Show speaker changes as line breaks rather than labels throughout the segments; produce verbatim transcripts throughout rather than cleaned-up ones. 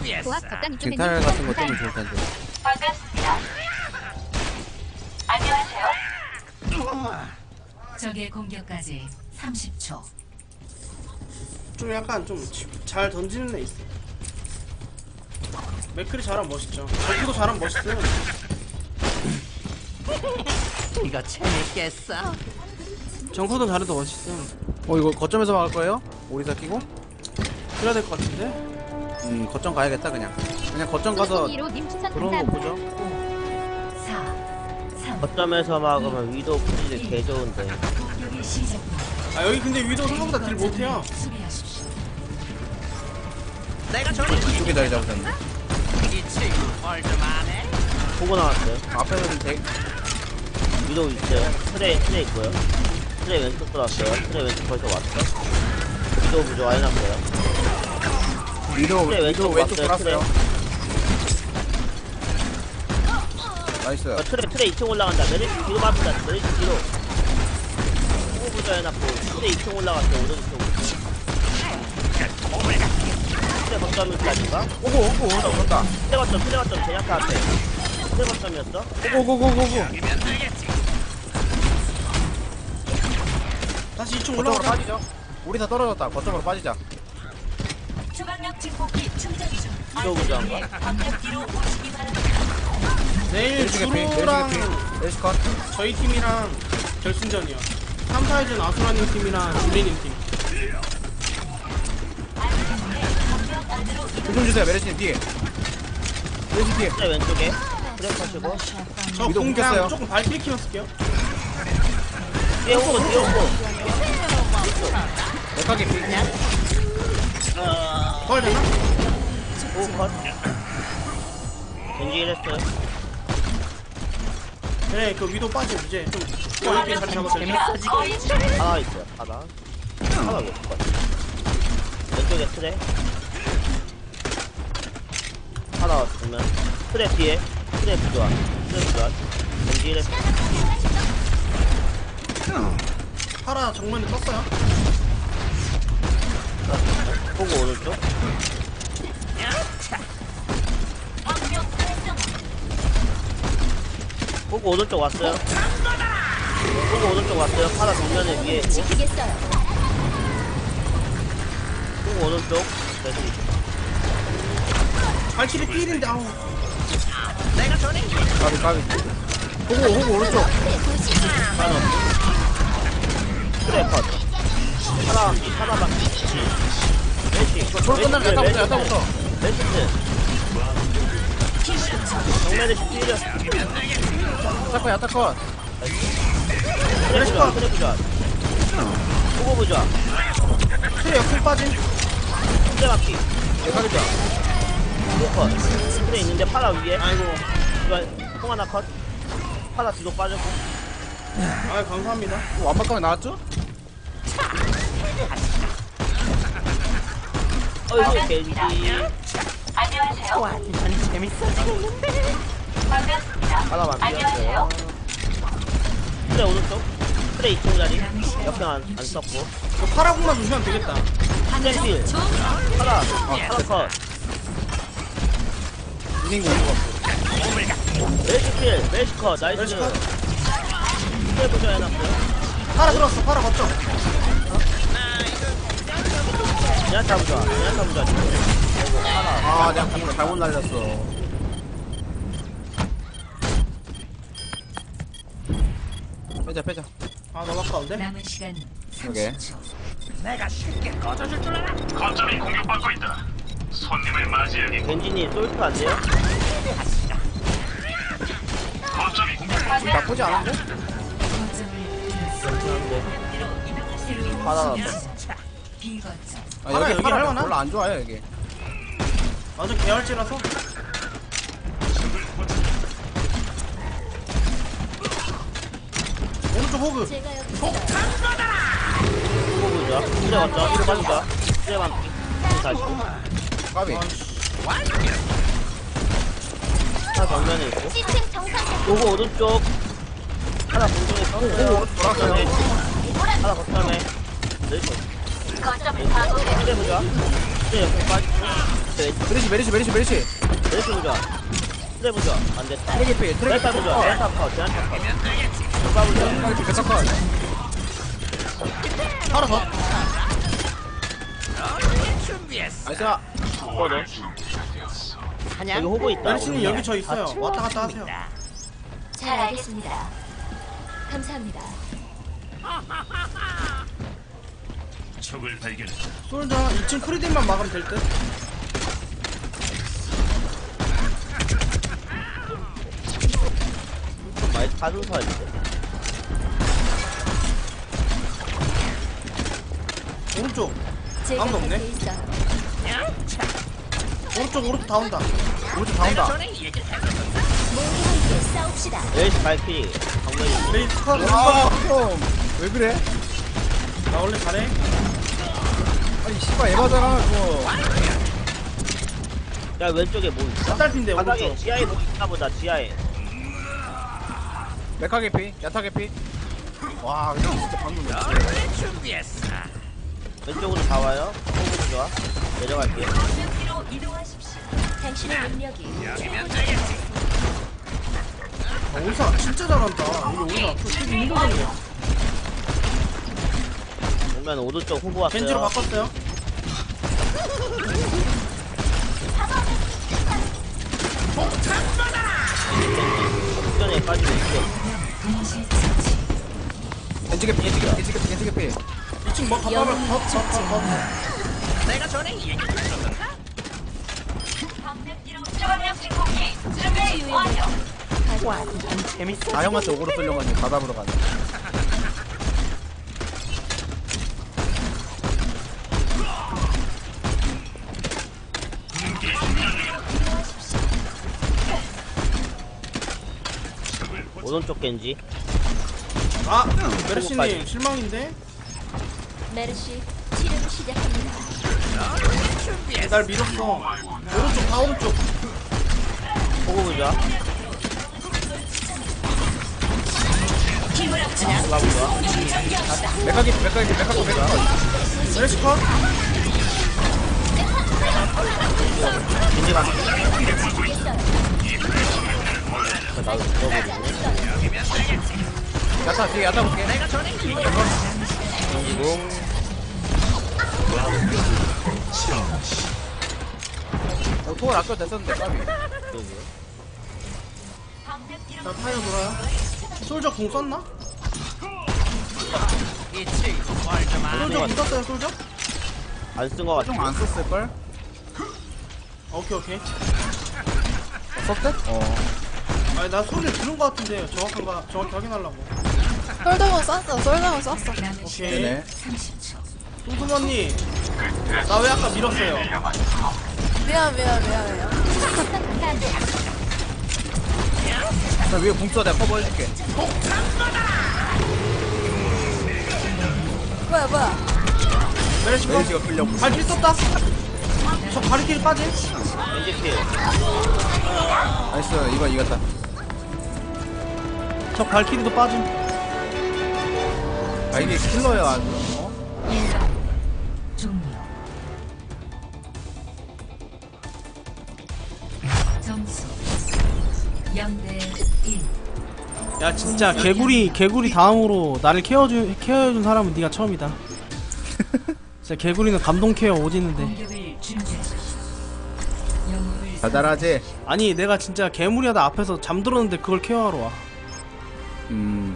도합 적당히 좀
쟁탈 같은 거 뜨면 좋을 텐데.
반갑습니다. 안녕하세요.
적의 공격까지 삼십 초.
좀 약간 좀 잘 던지는 애 있어. 맥클이 잘하면 멋있죠. 저기도 잘하면 멋있어요.
이거 재밌겠어.
정코도 잘해도 멋있음.
어 이거 거점에서 막을 거예요? 오리사 끼고?
그래야 될 것 같은데?
음 거점 가야겠다 그냥. 그냥 거점 가서
님 추천
들어오는 거
감사합니다.
보죠.
사, 삼,
거점에서 막으면 위도 풀이 개 좋은데.
공격이 시작됩니다.
아 여기 근데 위도 생각보다 딜 못해요.
수비하십시오.
내가 저리
이쪽에 자리 잡으셨네.
이 친구 뭘좀 아네?
보고 나왔어요.
앞에는 대
위도 있어요. 트레 트레 있고요. 트레 왼쪽 들어왔어요. 트레 왼쪽 벌써 왔어. 위도 부조 아예 났어요.
위도
트레
위도
왼쪽
왼쪽
왔어요. 트레.
돌았어요. 나이스.
어, 트레 트레 이 층 올라간다. 메리시 뒤로 맞는다. 메리시 뒤로. 호구 부조 해놨고 트레 이 층 올라갔어요. 오른쪽. 트레 거점일까지인가?
오고 오고 오다 오다.
트레 거점 트레 거점 제냐타 앞에. 트레 거점이었어?
오고고고고고.
다시 이 층
거점으로
올라가자.
빠지죠. 오리사 떨어졌다. 거점으로 빠지자.
주방력 증폭기 충전 중.
위도 부조 한 거.
내일
멜시 개피. 멜시
주루랑
개피. 멜시 컷.
저희 팀이랑 결승전이요. 삼, 사회전 아수라님 팀이랑 줄리님 팀.
조금 주세요. 메르시님 뒤에. 메르시 뒤에.
트레 왼쪽에. 트레 컷이고.
저
위도
공 그냥
묶였어요.
조금 발키리 키만 쓸게요.
뒤에 오고 뒤에 오고.
메카 개피.
헐 되나?
오 컷. 겐지 일했어요.
그래 그 위도 빠지 이제 좀 여유있게 자리 잡았어요.
하나 있어요. 하나. 하나 왜 컷. 왼쪽에 트레. 하나 왔으면 트레 뒤에. 트레 부조화. 트레 부조화. 겐지 일했어요.
파라 정면에 떴어요.
보고 오른쪽. 보고 오른쪽 왔어요. 보고 오른쪽 왔어요. 파라 정면에 위에 있고.
지키겠어요.
보고 오른쪽. 그래서
발키리 필인데 아우.
까비 까비. 호구 호구 오른쪽.
파라 트레 컷. 파라 파라 막. 메시.
졸 끝나면 야타부터 야타부터.
메시트. 정면에 시티려.
야타컷 야타컷.
트레 부자. 트레 부자. 보고 부자.
트레 역행 빠진.
트레 막기.
메카 개피.
보고 컷. 트레 있는데 파라 위에. 아이고. 이거 통 하나 컷. 파라 뒤로 빠졌고.
아 감사합니다.
완막감이 나왔죠?
어이구 겐지.
안녕하세요.
완전 재밌어지겠는데.
반갑습니다.
하나만
안녕하세요.
비웠어요. 트레 오른쪽. 트레 이 층 자리. 역행 안, 안 썼고.
그 파라공만 조심하면 되겠다.
트레 필. 파라. 어, 파라 컷.
이닝 오는 거 같고.
멜시 필. 멜시 컷. 나이스.
멜시 컷.
트레 보조 해놨어요.
파라 들어왔어. 파라 걷죠.
제나타 부자. 제나타 부자. 아이고 파라.
아 내가 방금 잘못 날렸어. 빼자 빼자.
아 너무 아까운데?
남은 시간
오케이.
삼십 초.
내가 쉽게 꺼져줄 줄 알아?
거점이 공격받고 있다. 손님을 맞이하기.
겐지님 솔트 안 돼요?
거점이 공격받고
나쁘지 않은데?
그런데 파라 나왔어.
비거점.
아
파라
여기
여기
파라
할만하?
별로 안 좋아요 여기.
완전 계열지라서. 오른쪽 호그.
제가 여기
보고 부자. 트레 왔죠? 트레 빠진다. 트레 반피. 다시.
까비.
하나 정면에 있고.
시스템 정상
보고 오른쪽. 하나 공중에 섰어요.
돌아가요.
하나 거점에. 네.
거점을 파괴해.
트레 보자. 트레 옆에 빠지고. 트레 왼쪽
메리시 메리시 메리시 메리시
메르시 부자. 트레 부자. 안 됐다.
트랙 피 트랙
제한타 부자. 제한타 컷. 제한타 컷. 누가 부자.
트랙 피 백사컷
하나 더.
나이스
거든. 여기 호구 있다.
메르시님 여기 저 있어요. 왔다 갔다 하세요.
잘 알겠습니다. 감사합니다.
적을 발견했다.
솔저 이 층 프리딜만 막으면 될 듯.
많이 가슴 서 있는데.
오른쪽.
제가
아무도 없네.
곁에 있어요.
오른쪽 오른쪽 다 온다.
오른쪽 다 온다
모두 함께 싸웁시다.
메르시 발키. 정면이.
메리시 컷.
왜 그래?
나 원래 잘해.
아니 씨발 에바잖아 그거
야 왼쪽에 뭐 있어?
딸핀데
바닥에
오른쪽.
지하에 뭐 있나 보다. 지하에.
메카게 피 야타게 피와 이거 진짜 방금
왼쪽으로 다 와요. 호구 좋아. 내려갈게요.
뒤로 이동하십시오.
당신의 능력이
아, 오사 진짜 잘한다. 우리 오사 또 되게 힘들거든요.
보면 오른쪽 호구 왔어요.
겐지로 바꿨어요.
전에 빠지고 있어.
겐지게 피 겐지게 피 겐지게 피 겐지게 피
이 층 뭐 가봐면 컷컷컷컷.
내가 전에 얘기해줬었는데.
초강력 증폭기 준비 완료.
재밌어.
아 형한테 오그로 쏠려가지고 바닥으로 가네
오른쪽 겐지.
아 메르시님 실망인데.
메르시 치료를 시작합니다.
날 밀었어. 오른쪽 다 오른쪽.
호구 부자. 누가 부자.
메카게 피 메카게 피 메카게 피 메카게
메르시 컷.
겐지 간. 나도 넣어보자.
야타 뒤에 야타 볼게 어, 토월 아껴 됐었는데 까비
자 타이어 돌아요. 솔저 궁 썼나?
이 친구 뭘좀 아네.
솔저 궁 썼어요 솔저?
안쓴 거 같아.
좀 안 썼을걸?
오케이 오케이.
썼대? 어
아니 나 소리를 들은 거 같은데 정확한가 정확히 확인하려고.
솔더건 쐈어, 솔더건 쐈어.
오케이.
되네
뚱뚱 언니 나 왜 아까 밀었어요?
미안, 미안, 미안해요.
나 위에 궁 써 내가 커버해줄게
뭐야, 뭐야.
메르시 컷.
메리시가 끌려고
발길 썼다. 저 가리킬 빠짐.
겐지 킬.
나이스 이거 이겼다
저 발키리도 빠짐.
아 이게 킬러야 아주 어?
종료. 점수 영 대 일.
야 진짜 개구리 개구리 다음으로 나를 케어주 케어해준 사람은 네가 처음이다. 진짜 개구리는 감동 케어 오지는데.
공격을 준비하십시오. 영웅을
달달하지?
아니 내가 진짜 개무리하다 앞에서 잠들었는데 그걸 케어하러 와.
음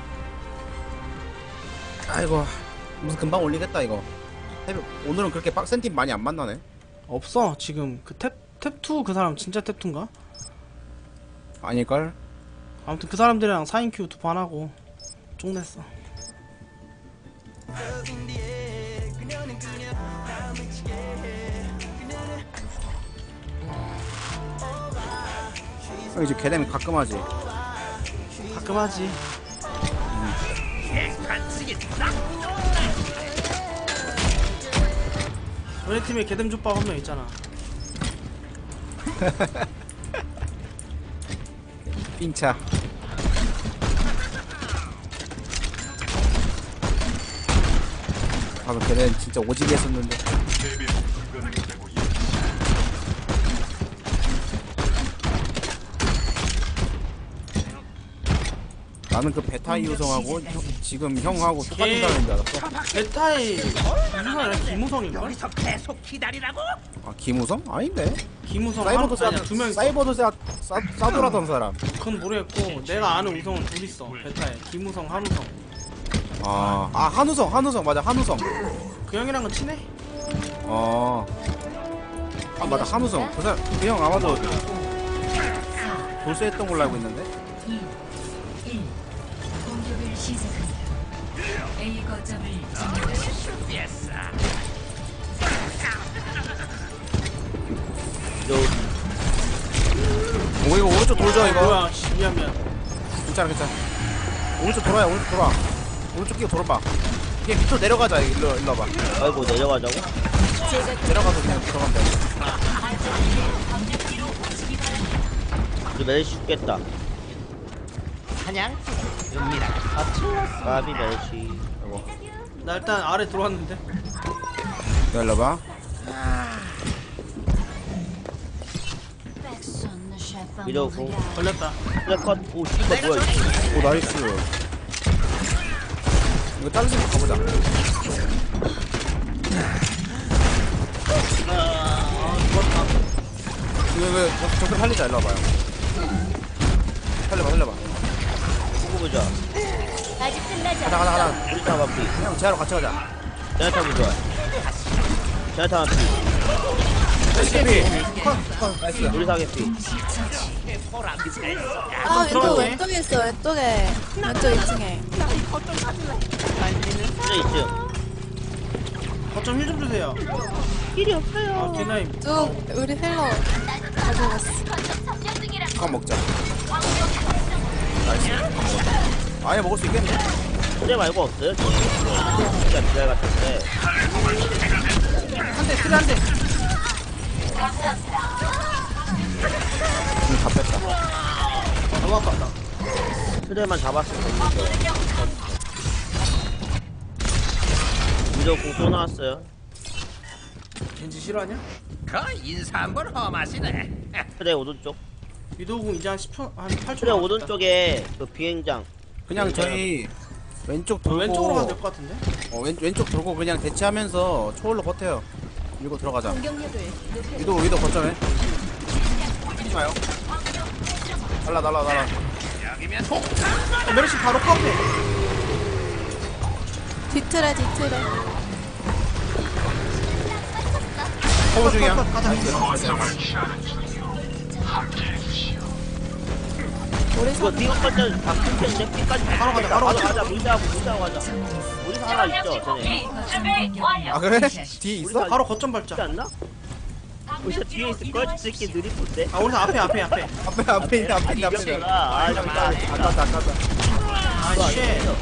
아이고 무슨 금방 올리겠다 이거 새벽- 오늘은 그렇게 빡센 팀 많이 안 만나네
없어 지금 그 탭 탭투 그 사람 진짜 탭투인가?
아닐걸?
아무튼 그 사람들이랑 사 인큐 두 판 하고 쪽냈어.
어, 이제 걔네는 가끔 하지
가끔 하지. 우리 팀에 개뎀 족밥 한 명 있잖아.
삥차 방금 걔네는 진짜 오지게 했었는데 나는 그 베타 이우성하고 형- 지금 형하고 똑같은
걔-
사람인 줄 알았어.
베타의 무슨 아니라 김우성인가?
여기서 계속 기다리라고?
아 김우성? 아닌데.
김우성
사이버도 싸,
아니야 두명 있어.
사이버도 싸, 싸, 싸돌아던 사람.
그건 모르겠고 내가 아는 우성은 둘 있어 베타에 김우성 한우성.
아, 아 한우성, 한우성 맞아, 한우성.
그 형이랑은 친해?
어. 아 맞아, 한우성. 그 사람, 그 형 아마도 돌쇠했던 걸로 알고 있는데.
이, 일. 공격을 시작합니다. A 거점을 점령하십시오.
위도
오 이거 오른쪽 돌죠 이거.
뭐야 씨, 미안 미안.
괜찮아 괜찮아. 오른쪽 돌아야 오른쪽 돌아. 오른쪽 끼고 돌아봐. 그냥 밑으로 내려가자. 일로 일로 와봐.
아이고 내려가자고?
내려가서 그냥 들어가면 돼.
이제 메르시 죽겠다.
사냥 읍니다.
까비 메르시. 아이고.
나 일단 아래 들어왔는데.
너 일로 와봐.
위도 공.
걸렸다.
트랙컷. 오 씨발 뭐야 이거.
오 나이스. 이거 다른 집 가보자. 이거 이거 저쪽 살리자. 일로 와봐요. 살려봐 살려봐.
보고 보자.
아직 끝나지
가자 가자
않았어.
가자.
우리 타마 피.
형 제하러 같이 가자.
제나타 보자. 제나타 피.
피. 컷 나이스.
우리 사계 피.
아 왼쪽
들어가네.
왼쪽에 있어 왼쪽에 왼쪽 이 층에.
트레 있음.
거점 힐 좀 주세요.
힐이 없어요.
아 디나임.
쭉 우리 힐러 가져갔어.
컷 먹자. 나이스. 아예 먹을 수 있겠네.
트레 말고 없어요? 저는 진짜 미랄 같은데.
한대 그래 한 대.
응, 다 뺐다.
너무 아깝다.
트레만 잡았으면 됐는데. 위도 공 또 나왔어요.
겐지 싫어하냐?
그 인사 한번 험하시네.
트레 오른쪽.
위도우공 이제 한 십 초 한 팔 초.
트레 오른쪽에 그 비행장.
그냥 저희 왼쪽 돌고
왼쪽으로 가면 될 것 같은데?
어, 왼, 왼쪽 돌고 그냥 대치하면서 초월로 버텨요. 밀고 들어가자.
공격력을 높여.
위도 위도 거점에. 뛰지 마요. 날라 날라 날라.
어, 메르시 바로 카페.
뒤틀에 뒤틀에.
커버 중이야.
가자.
우리
이거
선
삐까지 다 끊겼는데 삐까지
바로 가자, 바로 가자.
가자 무시하고 무시하고 가자. 우리 하나 있죠 쟤네.
준비 완료.
아 그래? 뒤에 있어?
바로 거점
있지
밟자.
않나? 우리 뒤에 있을 걸? 저 새끼 느리쁜데?
아 우리 앞에 앞에 앞에.
앞에 앞에 있네 앞에 있네 앞에 있네.
이겼구나. 아 진짜
아깝다 아깝다.
아 씨.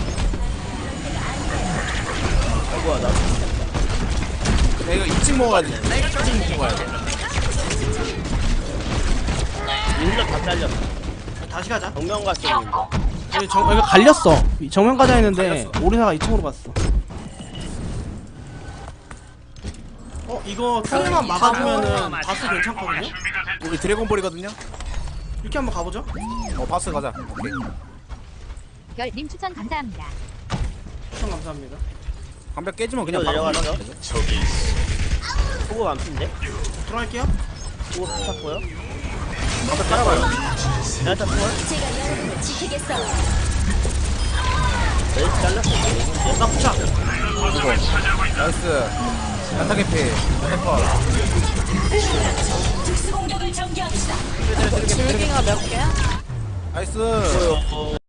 아이고 나
야 이거 이 층 먹어야 돼. 이 층 먹어야 돼.
일로 다 잘렸어.
다시 가자.
정면 갔어.
여기 정 여기 갈렸어. 정면 가자 했는데 오리사가 이 층으로 갔어. 어 이거 트레만 막아주면은 바스 괜찮거든요?
우리 드래곤볼이거든요.
이렇게 한번 가보죠.
어 바스 가자. 오케이.
별님 추천 감사합니다.
추천 감사합니다.
방벽 깨지면 그냥
이거
바로
내려가죠?
가면 되죠.
소고 안핀데?
들어갈게요.
소고 탔고요.
방벽 깔아봐요.
내가 탔고
제가 여러분을 지키겠어.
내일 잘랐어.
나 부착.
이거 나이스. 야타 개피. 야타
특수 공격을 전개합시다.
줄기가 몇 개야?
나이스.
어,